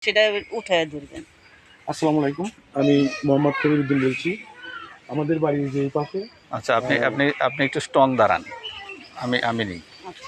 সেটা উঠায় ধরবেন। আসসালামু আলাইকুম, আমি মোহাম্মদ কবিরউদ্দিন বলছি। আমাদের বাড়ির যে পাশে। আচ্ছা, আপনি আপনি আপনি একটু স্ট্রং দাঁড়ান। আমি নেই। আচ্ছা,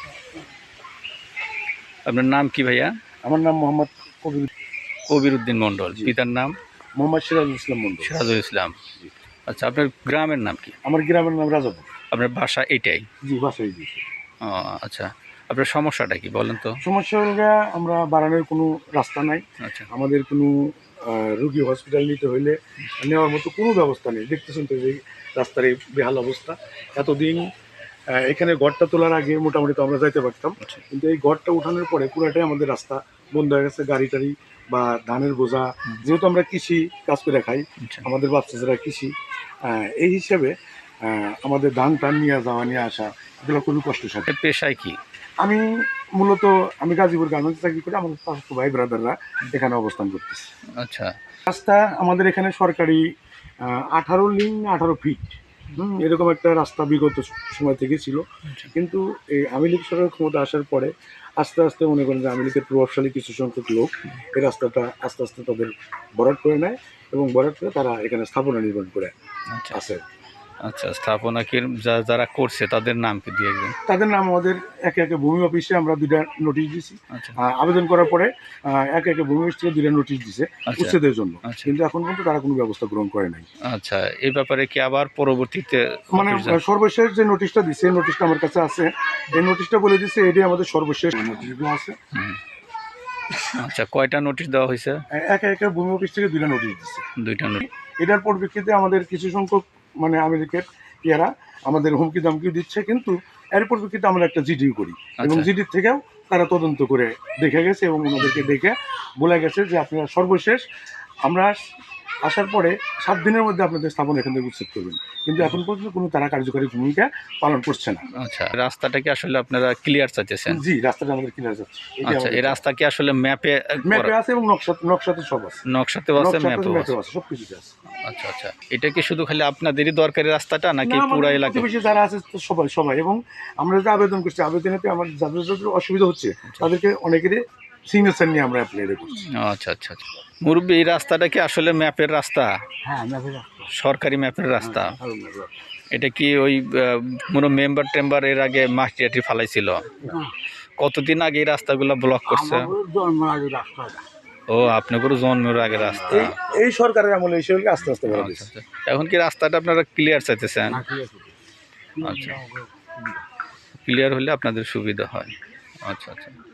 আপনার নাম কি ভাইয়া? আমার নাম মোহাম্মদ কবিরউদ্দিন মণ্ডল। জি। পিতার নাম? মোহাম্মদ সিরাজুল ইসলাম মন্ডল। সিরাজুল ইসলাম। জি। আচ্ছা, আপনার গ্রামের নাম কি? আমার গ্রামের নাম রাজাপুর। আপনার বাসা এটাই? জি, বাসায় জি। ও আচ্ছা, আপনার সমস্যাটা কি বলেন তো? সমস্যা হলো আমরা বাড়ানোর কোনো রাস্তা নাই। আচ্ছা, আমাদের কোনো রুগী হসপিটাল নিতে হইলে নেওয়ার মতো কোনো ব্যবস্থা নেই। দেখতেছেন তো যে রাস্তার এই বেহাল অবস্থা। এতদিন এখানে ঘরটা তোলার আগে মোটামুটি তো আমরা যাইতে পারতাম, কিন্তু এই ঘরটা উঠানোর পরে পুরাটাই আমাদের রাস্তা বন্ধ হয়ে গেছে। গাড়ি টাড়ি বা ধানের বোঝা, যেহেতু আমরা কৃষি কাজ করে খাই, আচ্ছা, আমাদের বাচ্চা যারা কৃষি, এই হিসাবে আমাদের ধান টান নিয়ে যাওয়া নিয়ে আসা এগুলো খুবই কষ্টসাধ্য। আপনার পেশায় কি? আমি মূলত গাজীপুর গার্মেন্টস চাকরি করি। আমাদের চাচাতো ভাই ব্রাদাররা এখানে অবস্থান করতেছে। আচ্ছা, রাস্তা আমাদের এখানে সরকারি 18 লিং 18 ফিট এরকম একটা রাস্তা বিগত সময় থেকে ছিল, কিন্তু এই আওয়ামী লীগ সরকার ক্ষমতা আসার পরে আস্তে আস্তে মনে করেন যে আওয়ামী লীগের প্রভাবশালী কিছু সংখ্যক লোক এই রাস্তাটা আস্তে আস্তে তাদের বরাদ করে নেয় এবং বরাদ করে তারা এখানে স্থাপনা নির্মাণ করে আচ্ছা, আছে। আচ্ছা। স্থাপনা কি যারা করছে তাদের নাম কি দিয়ে একজন? তাদের নাম আমাদের একে একে ভূমি অফিসে আমরা 2টা নোটিশ দিছি। আচ্ছা, আবেদন করার পরে একে একে ভূমি অফিস থেকে 2টা নোটিশ দিছে আচ্ছা, উচ্ছেদের জন্য, আচ্ছা, কিন্তু এখন পর্যন্ত তারা কোনো ব্যবস্থা গ্রহণ করে নাই। আচ্ছা। এই ব্যাপারে কি আবার পরবর্তীতে মানে সর্বশেষ যে নোটিশটা দিছে এই নোটিশটা আমার কাছে আছে। এই নোটিশটা বলে দিছে এটাই আমাদের সর্বশেষ নোটিশগুলো আছে। আচ্ছা, কয়টা নোটিশ দেওয়া হয়েছে? একে একে ভূমি অফিস থেকে 2টা নোটিশ দিচ্ছে। 2টা নোটিশ। এটার পরিপ্রেক্ষিতে আমাদের কিছু সংখ্যক মানে আমেরিকার ইয়ারা আমাদের হুমকি দামকি দিচ্ছে, কিন্তু এর পরিপ্রেক্ষিতে আমরা একটা জিডি করি এবং আচ্ছা, জিডির থেকেও তারা তদন্ত করে দেখে গেছে এবং ওনাদেরকে দেখে বলে গেছে যে আপনারা সর্বশেষ আমরা আসার পরে 7 দিনের মধ্যে আপনাদের স্থাপন এখান থেকে উচ্ছেদ করবেন, কিন্তু এখন পর্যন্ত কোনো তারা কার্যকরী ভূমিকা পালন করছে না। আচ্ছা। রাস্তাটা কি আসলে আপনারা ক্লিয়ার চাইতেছেন? জি, রাস্তাটা আমাদের ক্লিয়ার যাচ্ছে। আচ্ছা, এই রাস্তা কি আসলে ম্যাপে আছে এবং নকশাতে সব আছে। নকশাতেও আছে, ম্যাপেও আছে? আছে, সবকিছুতে আছে। আচ্ছা, আচ্ছা। এটা কি শুধু খালি আপনাদেরই দরকারি রাস্তাটা নাকি পুরো এলাকা? প্রতিবেশী যারা আছে সবাই এবং আমরা যে আবেদন করছি আবেদনেতে আমার যাদের অসুবিধা হচ্ছে তাদেরকে অনেকেরই সিগনেচার নিয়ে আমরা অ্যাপ্লাই করছি। আচ্ছা, আচ্ছা, আচ্ছা। মুরব্বী, এই রাস্তাটা কি আসলে ম্যাপের রাস্তা? হ্যাঁ, ম্যাপের সরকারি ম্যাপের রাস্তা? এটা কি ওই কোনো মেম্বার টেম্বার এর আগে মাটি টাটি ফালাইছিল? কতদিন আগে এই রাস্তাগুলো ব্লক করছে? ও, আপনাদেরও জন্মের আগে রাস্তা? এই সরকারের আমলে এসে আস্তে আস্তে বড় আচ্ছা, আচ্ছা। এখন কি রাস্তাটা আপনারা ক্লিয়ার চাইতেছেন? আচ্ছা, ক্লিয়ার হলে আপনাদের সুবিধা হয়। আচ্ছা, আচ্ছা।